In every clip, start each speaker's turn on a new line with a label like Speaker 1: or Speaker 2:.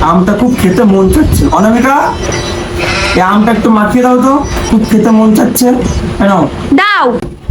Speaker 1: আমটা খুব খেতে মন চাচ্ছে। অনামিকা, এই আমটা একটু মাখিয়ে দাও তো, খুব খেতে মন চাচ্ছে। নাও।
Speaker 2: দাও।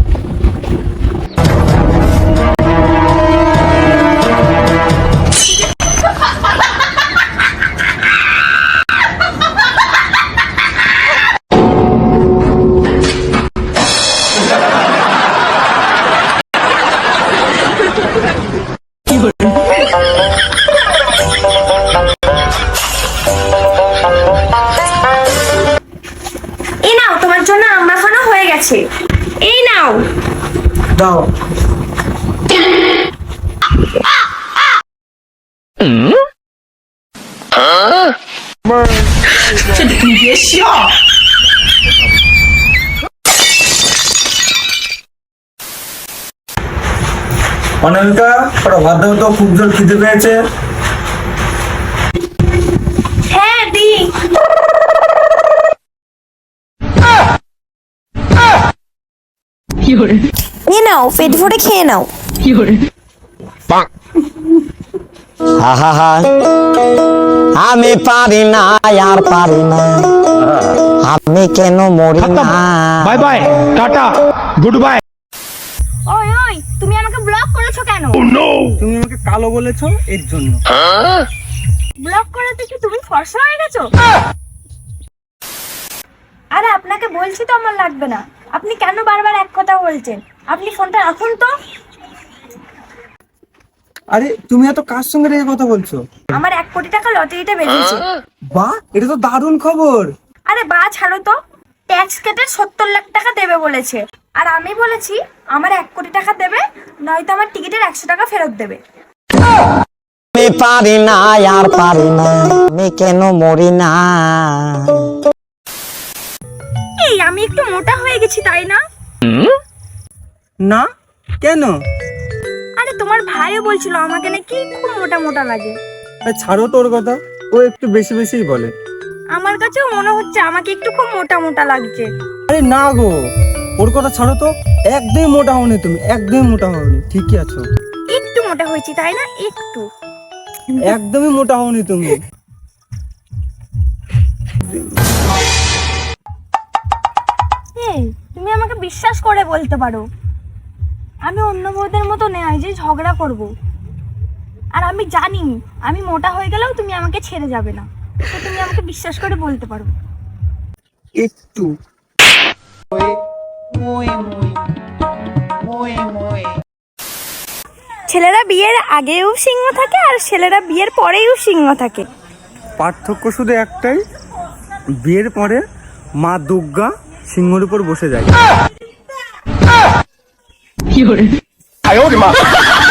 Speaker 2: এই নাও, তোমার জন্য আম মাখানো হয়ে গেছে। এই নাও।
Speaker 1: দাও। অনামিকা, ওটা ভাত দাও তো, খুব জোর খিদে পেয়েছে।
Speaker 2: হ্যাঁ দি। এ নাও, পেট ভরে খেয়ে নাও।
Speaker 3: আমি পারি না, আর পারি না, আমি কেন মরি না।
Speaker 4: Bye bye, tata, goodbye.
Speaker 2: ওই ওই, তুমি আমাকে ব্লক করেছো কেন?
Speaker 1: তুমি আমাকে কালো বলেছো, এর জন্য।
Speaker 2: ব্লক করাতে কি তুমি ফর্সা হয়ে গেছো? আরে আপনাকে বলছি তো আমার লাগবে না। আপনি কেন বারবার এক কথা বলছেন? আপনি ফোনটা রাখুন তো।
Speaker 1: আরে তুমি এত কার সঙ্গে রেখে কথা বলছো?
Speaker 2: আমার 1 কোটি টাকা লটারিটা বেরিয়েছে।
Speaker 1: বাহ, এটা তো দারুণ খবর।
Speaker 2: আরে বা ছাড়ো তো, ট্যাক্স কেটে 70 লাখ টাকা দেবে বলেছে। আর আমি বলেছি আমার 1 কোটি টাকা দেবে, নয়তো আমার টিকিটের 100 টাকা ফেরত দেবে।
Speaker 3: আমি পারি না, আর পারি না, আমি কেন মরি না।
Speaker 2: এই আমি একটু মোটা হয়ে গেছি তাই না?
Speaker 1: না, কেন?
Speaker 2: আরে তোমার ভাইও বলছিল আমাকে নাকি খুব মোটা মোটা লাগে।
Speaker 1: আরে ছাড়ো তোর কথা, ও একটু বেশি বেশিই বলে।
Speaker 2: আমার কাছেও মনে হচ্ছে আমাকে একটু খুব মোটা মোটা লাগছে।
Speaker 1: আরে না গো, ওর কথা ছাড়ো তো। একদমই মোটা হওনি তুমি, একদমই মোটা হওনি, ঠিকই আছো।
Speaker 2: একটু মোটা হয়েছি তাই না? একটু।
Speaker 1: একদমই মোটা হওনি তুমি।
Speaker 2: এই তুমি আমাকে বিশ্বাস করে বলতে পারো, আমি অন্য বউদের মতো নয় যে ঝগড়া করব। আর আমি জানি আমি মোটা হয়ে গেলেও তুমি আমাকে ছেড়ে যাবে না, তো তুমি আমাকে বিশ্বাস করে বলতে পারো।
Speaker 1: একটু।
Speaker 2: ছেলেরা বিয়ের আগেও সিংহ থাকে আর ছেলেরা বিয়ের পরেও সিংহ থাকে।
Speaker 1: পার্থক্য শুধু একটাই, বিয়ের পরে মা দুর্গা সিংহের উপর বসে যায়।
Speaker 4: আয় ওরে মা।